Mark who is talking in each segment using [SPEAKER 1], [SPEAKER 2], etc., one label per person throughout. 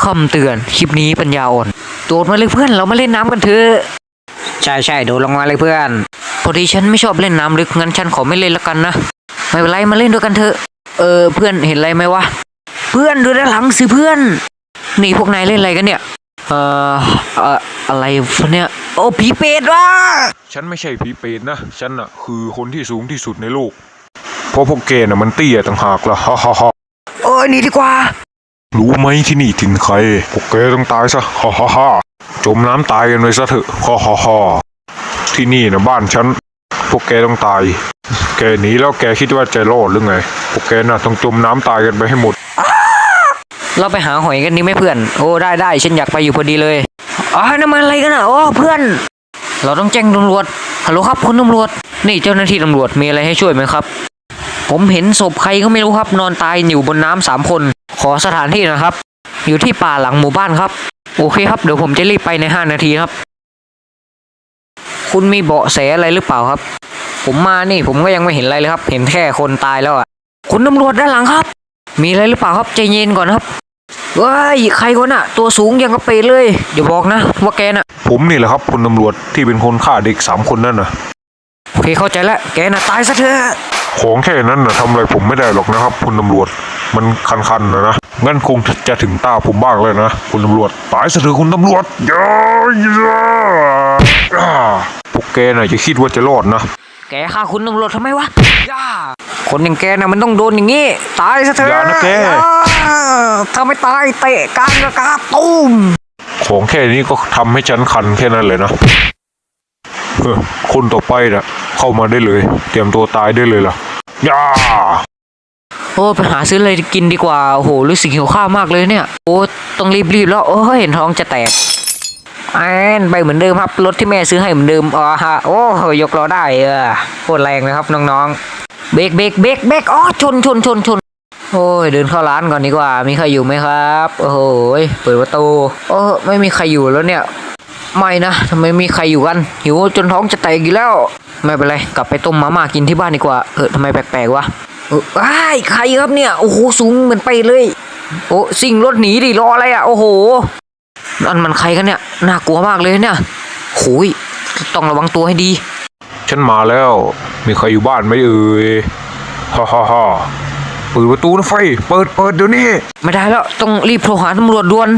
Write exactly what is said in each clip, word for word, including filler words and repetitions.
[SPEAKER 1] ำเตือนคลิปนี้ปัญญาอ่อนโดดมาเลยเพื่อนเรามาเล่นน้ำกันเถอะใช่ใช่โดดลงมาเลยเพื่อนพอดีฉันไม่ชอบเล่นน้ำลึกงั้นฉันขอไม่เล่นละกันนะไม่เป็นไรมาเล่นด้วยกันเถอะเออเพื่อนเห็นอะไรไหมวะเพื่อนดูด้านหลังสิเพื่อนนี่พวกนายเล่นอะไรกันเนี่ยเอ่อเอ่ออะไรเนี่ยโอ้ผีเปรตวะ
[SPEAKER 2] ฉันไม่ใช่ผีเปรตนะฉันน่ะคือคนที่สูงที่สุดในโลกเพราะพวกแกน่ะมันเตี้ยต่างหากล่ะฮ่าฮ่าฮ่า
[SPEAKER 1] โอ้ยหนีดีกว่า
[SPEAKER 2] รู้ไหมที่นี่ถิ่นใครพวกแกต้องตายซะฮ่าฮ่าฮ่าจมน้ำตายกันเลยซะเถอะฮ่าฮ่าฮ่าที่นี่นะบ้านฉันพวกแกต้องตายแกหนีแล้วแกคิดว่าจะรอดหรือไงพวกแกน่ะต้องจมน้ำตายกันไปให้หมด
[SPEAKER 1] เราไปหาหอยกันดีไหมเพื่อนโอ้ได้ได้ฉันอยากไปอยู่พอดีเลยอ๋อน้ำมันอะไรกันอ่ะโอ้เพื่อนเราต้องแจ้งตำรวจฮัลโหลครับคุณตำรวจนี่เจ้าหน้าที่ตำรวจมีอะไรให้ช่วยไหมครับผมเห็นศพใครก็ไม่รู้ครับนอนตายอยู่บนน้ำสามคนขอสถานที่นะครับอยู่ที่ป่าหลังหมู่บ้านครับโอเคครับเดี๋ยวผมจะรีบไปในห้านาทีครับคุณมีเบาะแสอะไรหรือเปล่าครับผมมานี่ผมก็ยังไม่เห็นอะไรเลยครับเห็นแค่คนตายแล้วอ่ะคุณตำรวจด้านหลังครับมีอะไรหรือเปล่าครับใจเย็นก่อนครับเฮ้ยใครคนน่ะตัวสูงยังกระเปรตเลยเดี๋ยวบอกนะว่าแกน่ะ
[SPEAKER 2] ผมนี่แหละครับคุณตำรวจที่เป็นคนฆ่าเด็กสามคนนั่นน่ะ
[SPEAKER 1] โอเคเข้าใจแล้วแกน่ะตายซะเถอะ
[SPEAKER 2] ของแค่นั้นน่ะทำอะไรผมไม่ได้หรอกนะครับคุณตำรวจมันคันๆนะนะงั้นคงจะถึงตาผมบ้างเลยนะคุณตำรวจตายซะเถอะคุณตำรวจย่าย่าพวกแกน่ะจะคิดว่าจะรอดนะ
[SPEAKER 1] แกฆ่าคุณตำรวจทำไมวะย่าคนอย่างแกน่ะมันต้องโดนอย่างงี้ตายซะเถอะ
[SPEAKER 2] อย่านะแก
[SPEAKER 1] ถ้าไม่ตายเตะกลางกระกาตุ้ม
[SPEAKER 2] ของแค่นี้ก็ทำให้ฉันคันแค่นั้นเลยนะคนต่อไปน่ะเข้ามาได้เลยเตรียมตัวตายได้เลยล่ะย่า
[SPEAKER 1] โอ้ไปหาซื้ออะไรกินดีกว่าโอ้โหรู้สึกหิวข้าวมากเลยเนี่ยโอ้ต้องรีบๆแล้วโอ้เห็นท้องจะแตกแอนไปเหมือนเดิมครับรถที่แม่ซื้อให้เหมือนเดิมอ๋อฮะโอ้ยกล้อได้เออโคตรแรงเลยครับน้องๆเบรกเบรกเบรกเบรกอ๋อชนชนชนชนโอ้ยเดินเข้าร้านก่อนดีกว่ามีใครอยู่ไหมครับโอ้โหเปิดประตูโอ้ไม่มีใครอยู่แล้วเนี่ยไม่นะทำไมมีใครอยู่กันหิวจนท้องจะแตกอีกแล้วไม่เป็นไรกลับไปต้มมาม่ากินที่บ้านดีกว่าเออทำไมแปลกๆวะเออไอ้ใครครับเนี่ยโอ้โหสูงเหมือนไปเลยโอ้สิ่งรถหนีดิรออะไรอ่ะโอ้โหนั่นมันใครกันเนี่ยน่ากลัวมากเลยเนี่ยโอ้ยต้องระวังตัวให้ดี
[SPEAKER 2] ฉันมาแล้วมีใครอยู่บ้านไหมเอ่ยฮ่าฮ่าฮ่าเปิดประตูนะไฟเปิดเปิดเดี๋ยวนี้
[SPEAKER 1] ไม่ได้แล้วต้องรีบโทรหาตำรวจด่วน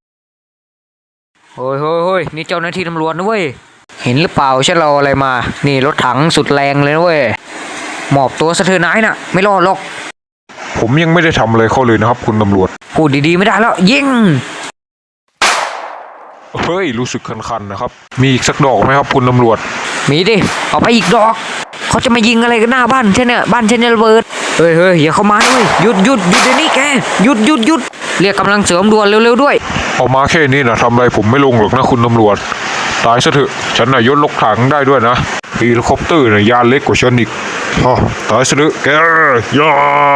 [SPEAKER 1] โอ้ยโอ้ยโอ้ยนี่เจ้าหน้าที่ตำรวจนะเว้ยเห็นหรือเปล่าฉันเราอะไรมานี่รถถังสุดแรงเลยนะเว้ยหมอบตัวซะเถอะนายน่ะไม่รอดหรอก
[SPEAKER 2] ผมยังไม่ได้ทำอะไรเขาเลยนะครับคุณตำรวจ
[SPEAKER 1] พูดดีๆไม่ได้แล้วยิง
[SPEAKER 2] เฮ้ยรู้สึกคันๆนะครับมีอีกสักดอกไหมครับคุณตำรวจ
[SPEAKER 1] มีดิเอาไปอีกดอกเขาจะมายิงอะไรกันหน้าบ้านฉันเนี่ยบ้านฉันจะระเบิดเฮ้ยเฮ้ยอย่าเข้ามาด้วยหยุดหยุดหยุดเดี๋ยวนี้แกหยุดหยุดหยุดเรียกกำลังเสริมด่วนเร็วๆด้วย
[SPEAKER 2] เอามาแค่นี้นะทำอะไรผมไม่ลงหรอกนะคุณตำรวจตายซะเถอะฉันน่ะยศรถถังได้ด้วยนะเฮลิคอปเตอร์น่ะยานเล็กกว่าฉันอีกฮ่าตายซะเถอะแกย่า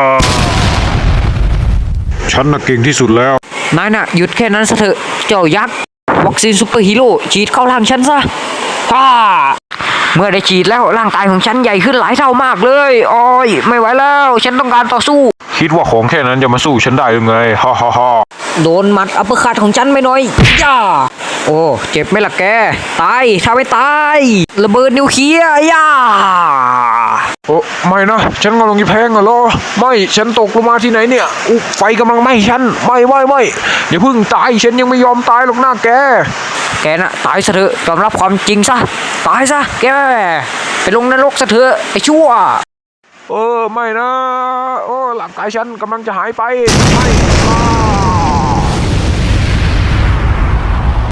[SPEAKER 2] ฉันน่ะเก่งที่สุดแล้ว
[SPEAKER 1] นายน่ะหยุดแค่นั้นซะเถอะเจ้ายักษ์วัคซีนซูเปอร์ฮีโร่ฉีดเข้าร่างฉันซะฮ่าเมื่อได้ฉีดแล้วร่างกายของฉันใหญ่ขึ้นหลายเท่ามากเลยโอ้ยไม่ไหวแล้วฉันต้องการต่อสู้
[SPEAKER 2] คิดว่าของแค่นั้นจะมาสู้ฉันได้หรือไงฮ่าฮ่าฮ่า
[SPEAKER 1] โดนหมัดอัปเปอร์คัตของฉันไม่น้อยย่าโอ้เจ็บไหมล่ะแกตายถ้าไม่ตายระเบิดนิวเคลียร์ย่า
[SPEAKER 2] โอ้ไม่นะฉันกำลังจะแพงอ่ะเหรอไม่ฉันตกลงมาที่ไหนเนี่ยอุ๊ไฟกำลังไหม้ฉันไม่ไม่ไม่อย่าเพิ่งตายฉันยังไม่ยอมตายหรอกนะแก
[SPEAKER 1] แกน่ะตายซะเถอะยอมรับความจริงซะตายซะแกไปลงนรกซะเถอะไปชั่ว
[SPEAKER 2] เออไม่นะโอ้หลังกายฉันกำลังจะหายไปไม่